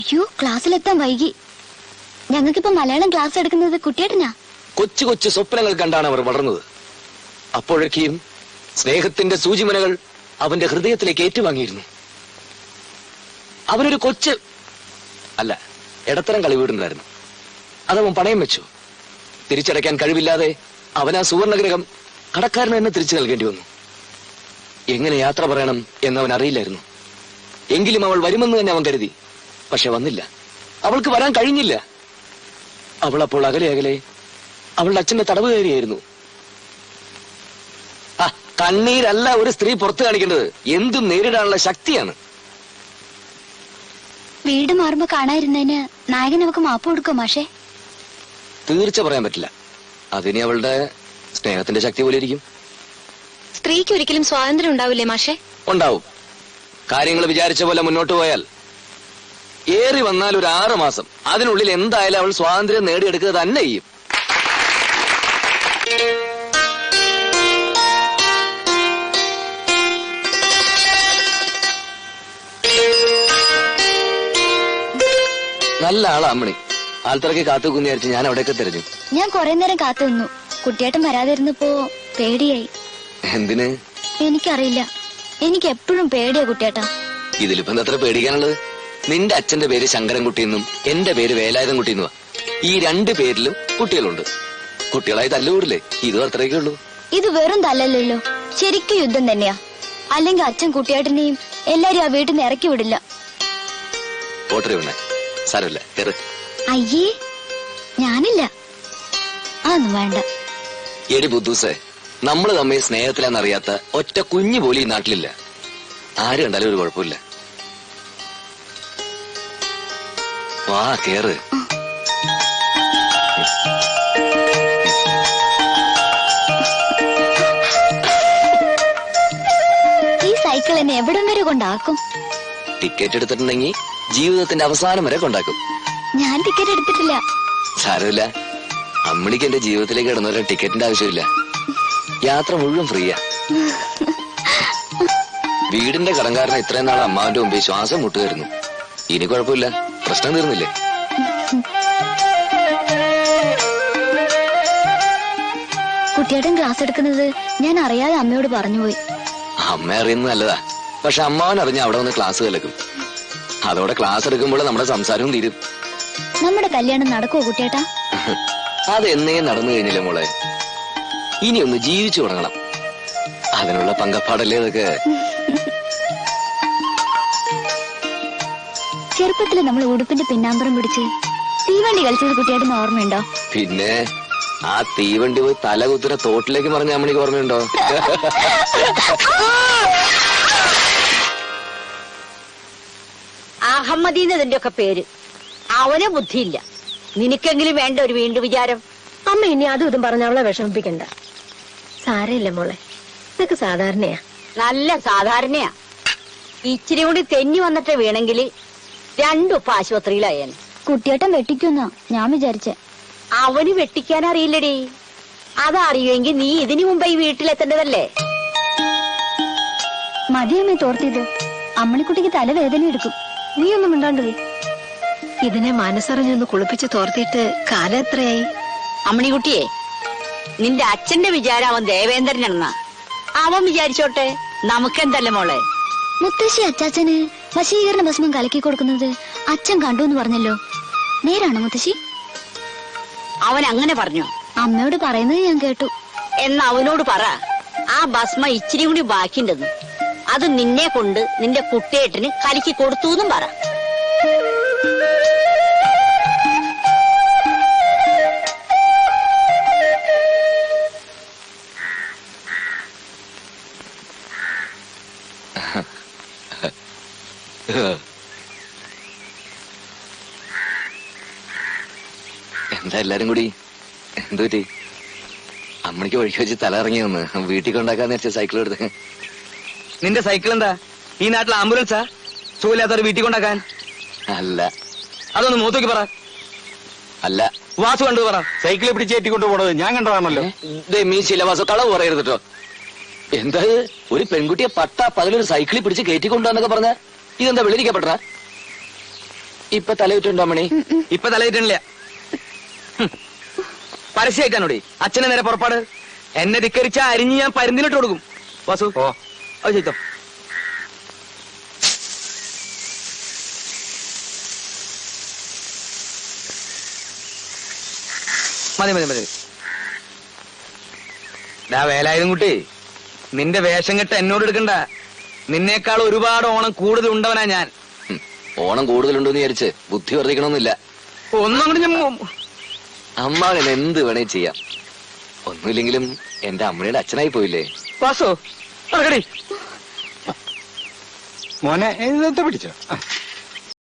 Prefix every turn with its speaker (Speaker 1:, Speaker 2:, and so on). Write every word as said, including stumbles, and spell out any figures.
Speaker 1: അയ്യോ, ക്ലാസ്സിലെത്താൻ വൈകി. ഞങ്ങൾക്കിപ്പോ മലയാളം ക്ലാസ് എടുക്കുന്നത് കുട്ടിയേട്ടനാ.
Speaker 2: കൊച്ചു കൊച്ചു സ്വപ്നങ്ങൾ കണ്ടാണ് അവർ വളർന്നത്. അപ്പോഴൊക്കെയും സ്നേഹത്തിന്റെ സൂചിമനകൾ അവന്റെ ഹൃദയത്തിലേക്ക് ഏറ്റുവാങ്ങിയിരുന്നു. അവനൊരു കൊച്ച് അല്ല, ഇടത്തരം കളിവീടുണ്ടായിരുന്നു. അതവൻ പണയം വെച്ചു. തിരിച്ചടയ്ക്കാൻ കഴിവില്ലാതെ അവൻ ആ സുവർണഗ്രഹം കടക്കാരന് തന്നെ തിരിച്ചു നൽകേണ്ടി വന്നു. എങ്ങനെ യാത്ര പറയണം എന്നവൻ അറിയില്ലായിരുന്നു. എങ്കിലും അവൾ വരുമെന്ന് തന്നെ അവൻ കരുതി. പക്ഷെ വന്നില്ല. അവൾക്ക് വരാൻ കഴിഞ്ഞില്ല. അവൾ അപ്പോൾ അകലെ അകലെ അവളുടെ അച്ഛന്റെ തടവ് കയറിയായിരുന്നു. ആ കണ്ണീരല്ല ഒരു സ്ത്രീ പുറത്തു കാണിക്കേണ്ടത്, എന്തും നേരിടാനുള്ള ശക്തിയാണ്.
Speaker 1: വീട് മാറുമ്പോ കാണാതിരുന്നതിന് നായകൻ നമുക്ക് മാപ്പ് കൊടുക്കും മാഷേ?
Speaker 2: തീർച്ച പറയാൻ പറ്റില്ല. അതിന് അവളുടെ സ്നേഹത്തിന്റെ ശക്തി പോലെ ഇരിക്കും.
Speaker 1: സ്ത്രീക്ക് ഒരിക്കലും സ്വാതന്ത്ര്യം ഉണ്ടാവില്ലേ മാഷേ?
Speaker 2: ഉണ്ടാവും. കാര്യങ്ങൾ വിചാരിച്ച പോലെ മുന്നോട്ട് പോയാൽ ഏറി വന്നാൽ ഒരു ആറ് മാസം അതിനുള്ളിൽ എന്തായാലും അവൾ സ്വാതന്ത്ര്യം നേടിയെടുക്കുക തന്നെ ചെയ്യും. നല്ല ആളാ അമ്മണി. ആൾത്തിറക്കി കാത്തുനിന്ന് വിചാരിച്ച് ഞാൻ അവിടെയൊക്കെ തിരഞ്ഞു.
Speaker 1: ഞാൻ കുറെ നേരം കാത്തു നിന്നു. കുട്ടിയേട്ടൻ വരാതിരുന്നപ്പോ പേടിയായി.
Speaker 2: എന്തിന്?
Speaker 1: എനിക്കറിയില്ല. എനിക്ക് എപ്പോഴും പേടിയാ കുട്ടിയേട്ടാ.
Speaker 2: ഇതിലിപ്പം എത്ര പേടിക്കാനുള്ളത്? നിന്റെ അച്ഛന്റെ പേര് ശങ്കരൻകുട്ടിയെന്നും എന്റെ പേര് വേലായുധൻകുട്ടിയെന്നുവാ. ഈ രണ്ട് പേരിലും കുട്ടികളുണ്ട്. കുട്ടികളായി തല്ലുകൂടില്ലേ? ഇതും അത്രയൊക്കെ ഉള്ളൂ. ഇത്
Speaker 1: വെറും തല്ലല്ലോ, ശരിക്കും യുദ്ധം തന്നെയാ. അല്ലെങ്കിൽ അച്ഛൻ കുട്ടിയേട്ടനെയും എല്ലാരും ആ വീട്ടിൽ നിന്ന് ഇറക്കി വിടില്ല.
Speaker 2: ഓട്ടറി വേണേ സാരമില്ല, കയറ്.
Speaker 1: അയ്യേ, ഞാനില്ല. അതൊന്നും വേണ്ട.
Speaker 2: എടി ബുദ്ധൂസേ, നമ്മള് തമ്മിൽ സ്നേഹത്തിലാന്നറിയാത്ത ഒറ്റ കുഞ്ഞു പോലും ഈ നാട്ടിലില്ല. ആര് കണ്ടാലും ഒരു കുഴപ്പമില്ല. വാ കേറ്.
Speaker 1: ഈ സൈക്കിൾ എന്നെ എവിടം വരെ കൊണ്ടാക്കും?
Speaker 2: ടിക്കറ്റ് എടുത്തിട്ടുണ്ടെങ്കിൽ ജീവിതത്തിന്റെ അവസാനം വരെ കൊണ്ടാക്കും.
Speaker 1: ഞാൻ ടിക്കറ്റ് എടുത്തിട്ടില്ല.
Speaker 2: സാരമില്ല, അമ്മണിക്ക് എന്റെ ജീവിതത്തിലേക്ക് കിടന്നവരെ ടിക്കറ്റിന്റെ ആവശ്യമില്ല. യാത്ര മുഴുവൻ ഫ്രീയാ. വീടിന്റെ കടങ്കാരനെ ഇത്രയും നാൾ അമ്മാവിന്റെ മുമ്പിൽ ശ്വാസം മുട്ടുകയായിരുന്നു. ഇനി കുഴപ്പമില്ല, പ്രശ്നം തീർന്നില്ലേ?
Speaker 1: കുട്ടിയേട്ടൻ ക്ലാസ് എടുക്കുന്നത് ഞാൻ അറിയാതെ അമ്മയോട് പറഞ്ഞുപോയി.
Speaker 2: അമ്മ അറിയുന്നത് നല്ലതാ. പക്ഷെ അമ്മാവൻ അറിഞ്ഞ അവിടെ വന്ന് ക്ലാസ് കലക്കും. അതോടെ ക്ലാസ് എടുക്കുമ്പോൾ നമ്മുടെ സംസാരവും തീരും.
Speaker 1: നമ്മുടെ കല്യാണം നടക്കുവോ കുട്ടിയേട്ടാ?
Speaker 2: അതെന്നേ നടന്നു കഴിഞ്ഞില്ല മോളെ. ഇനി ഒന്ന് ജീവിച്ചു തുടങ്ങണം. അതിനുള്ള പങ്കപ്പാടല്ലേ ഇതൊക്കെ.
Speaker 1: ചെറുപ്പത്തില് നമ്മൾ ഉടുപ്പിന്റെ പിന്നാമ്പറം പിടിച്ച് തീവണ്ടി കളിച്ചത് കുട്ടിയായിട്ട് ഓർമ്മയുണ്ടോ?
Speaker 2: പിന്നെ ആ തീവണ്ടി പോയി തല കുത്തുന്ന തോട്ടിലേക്ക് പറഞ്ഞ അമ്മണിക്ക് ഓർമ്മയുണ്ടോ?
Speaker 3: അഹമ്മദീന്നതിന്റെ ഒക്കെ പേര്. അവനെ ബുദ്ധിയില്ല. നിനക്കെങ്കിലും വേണ്ട ഒരു വീണ്ടും വിചാരം.
Speaker 4: അമ്മ ഇനി അതും ഇതും പറഞ്ഞ അവളെ വിഷമിപ്പിക്കണ്ട. സാരമില്ല മോളെ, ഇതൊക്കെ സാധാരണയാ.
Speaker 3: നല്ല സാധാരണയാ. ഇച്ചിരി കൂടി തെന്നി വന്നിട്ട് വീണെങ്കിൽ രണ്ടുപ്പ ആശുപത്രിയിലായേനെ.
Speaker 1: കുട്ടിയേട്ടൻ വെട്ടിക്കുന്ന ഞാൻ വിചാരിച്ചേ.
Speaker 3: അവന് വെട്ടിക്കാൻ അറിയില്ലടി. അതറിയുമെങ്കിൽ നീ ഇതിനു മുമ്പ് ഈ വീട്ടിലെത്തേണ്ടതല്ലേ.
Speaker 1: മതിയമ്മേ തോർത്തിയത്. അമ്മണിക്കുട്ടിക്ക് തലവേദന എടുക്കും.
Speaker 4: നീ ഒന്നും മിണ്ടാണ്ട് പോയി. ഇതിനെ മനസ്സറിഞ്ഞൊന്ന് കുളിപ്പിച്ച് തോർത്തിയിട്ട് കാലം എത്രയായി?
Speaker 3: അമ്മണിക്കുട്ടിയെ, നിന്റെ അച്ഛന്റെ വിചാരം അവൻ ദേവേന്ദ്രനാണെന്നാ. അവൻ വിചാരിച്ചോട്ടെ, നമുക്കെന്തല്ലേ മോളെ.
Speaker 1: മുത്തശ്ശി അച്ചാച്ചന് വശീകരണ ഭസ്മം കലക്കി കൊടുക്കുന്നത് അച്ഛൻ കണ്ടു എന്ന് പറഞ്ഞല്ലോ, നേരാണോ മുത്തശ്ശി?
Speaker 3: അവൻ അങ്ങനെ പറഞ്ഞു.
Speaker 1: അമ്മയോട് പറയുന്നത് ഞാൻ കേട്ടു.
Speaker 3: എന്നാ അവനോട് പറ, ആ ഭസ്മ ഇച്ചിരി കൂടി ബാക്കിണ്ടെന്ന്. അത് നിന്നെ കൊണ്ട് നിന്റെ കുട്ടിയേട്ടന് കലക്കി കൊടുത്തു എന്നും പറ.
Speaker 2: എന്താ എല്ലാരും കൂടി? എന്തു പറ്റി? അമ്മണിക്ക് വഴിക്ക് വെച്ച് തല ഇറങ്ങി വന്ന് വീട്ടിൽ കൊണ്ടാക്കാന്ന് വെച്ച സൈക്കിൾ എടുത്ത്.
Speaker 5: നിന്റെ സൈക്കിൾ എന്താ ഈ നാട്ടിൽ ആംബുലൻസാ? സുഖമില്ലാത്തവർ വീട്ടിൽ കൊണ്ടാക്കാൻ?
Speaker 2: അല്ല.
Speaker 5: അതൊന്ന് മൂത്തോക്കി പറ.
Speaker 2: അല്ല,
Speaker 5: വാസു കണ്ടു പറ. സൈക്കിളിൽ പിടിച്ച് ഏറ്റിക്കൊണ്ടു പോണത് ഞാൻ കണ്ടതാണല്ലോ.
Speaker 2: മീ ശിലവാസ കളവ് പറയരുത് കേട്ടോ. എന്താ ഒരു പെൺകുട്ടിയെ പട്ടാ പകലൊരു സൈക്കിളിൽ പിടിച്ച് കയറ്റിക്കൊണ്ടുവന്നൊക്കെ പറഞ്ഞ ഇതെന്താ വെളിരിക്കപ്പെട്ട? ഇപ്പൊ തലയിട്ടുണ്ടോ മണി?
Speaker 5: ഇപ്പൊ തലയിട്ടില്ല. പരസ്യമായിട്ടാണോടി അച്ഛനെ നേരെ പുറപ്പാട്. എന്നെ ധിക്കരിച്ച അരിഞ്ഞ് ഞാൻ പരുന്തിനിട്ട് കൊടുക്കും. വാസു ഓ അത് ചെയ്തോ. മതി മതി മതി. ഡാ വേലായുധം കുട്ടി, നിന്റെ വേഷം കെട്ട് എന്നോട് എടുക്കണ്ട. നിന്നേക്കാൾ ഒരുപാട് ഓണം കൂടുതൽ ഉണ്ടവനാ ഞാൻ.
Speaker 2: ഉം. ഓണം കൂടുതലുണ്ടെന്ന് വിചാരിച്ച് ബുദ്ധി വർദ്ധിക്കണമെന്നില്ല.
Speaker 5: ഒന്നും കൂടി ഞാൻ
Speaker 2: അമ്മാവൻ എന്ത് വേണേ ചെയ്യാം. ഒന്നുമില്ലെങ്കിലും എന്റെ അമ്മയുടെ അച്ഛനായി പോയില്ലേ.
Speaker 5: വാസു അടക്കടി.
Speaker 6: മോനെ ഇതെന്താ പിടിച്ചോ?